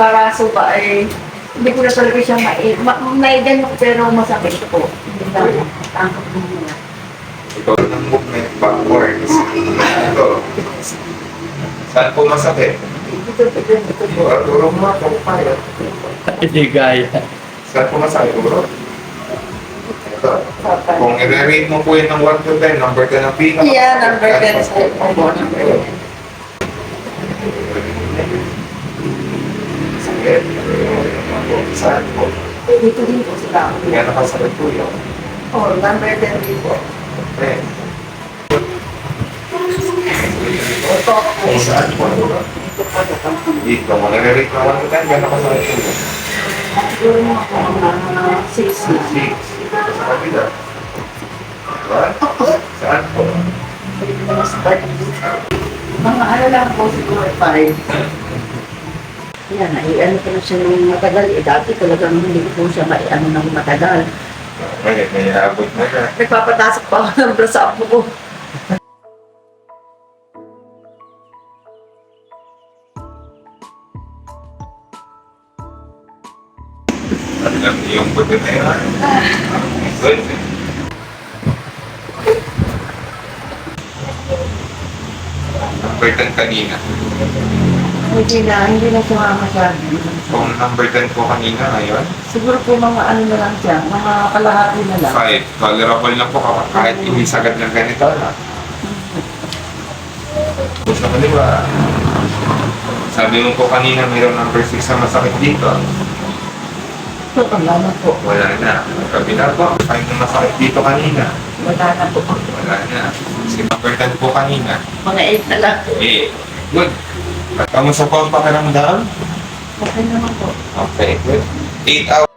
embaraso ba ay hindi ko na talaga siya may ganun pero masakit po. Hindi na tangkap mo muna. Ikaw ng movement backwards. Ito. Saan po masakit? Ito po. Turo mo ako. Hindi gaya. Saan po masakit? Turo. Ito. Kung i-rate mo po yun ng 1 to 10, number 10 ang pinaka. Yeah, number 10 po. Number 10. Sakit. Saan po? Dito din po sila. Kaya nakasakit po yun. Oh, number 10 din po. Okay. Ito po. Kung saan po? Dito po sa kampung. Dito. Kung i-rate ng 1 to 10, kaya nakasakit po yun. Siguro mga po mga 6 na. 6. Sa kabila. Diba? Saan po? Mga ano lang po siguro 5. Yan, ano ko na siya nung matagal. Dati talagang hindi ko po siya ano nang matagal. Okay, may abot na na. Nagpapatasok pa ako ng bra sa apo ko. Alam niyo yung puti na yun. Good. Number 10 kanina. Hindi na siya masyado. Kung number 10 po kanina ngayon, Siguro po mga ano na lang siya, mga kalahati na lang. 5. Tolerable na po kahit hindi sagad ng ganito na. Gusto mo diba? Sabi mo po kanina mayroong number 6 na masakit dito. So, wala na po. Wala na. Kabila po, 5 na masakit dito kanina. Wala na po. Wala na. Si number 10 po kanina. Mga 8 na lang. Eh, good. At kamusta po ang pakiramdam? Okay naman po. Okay, good. 8 hours.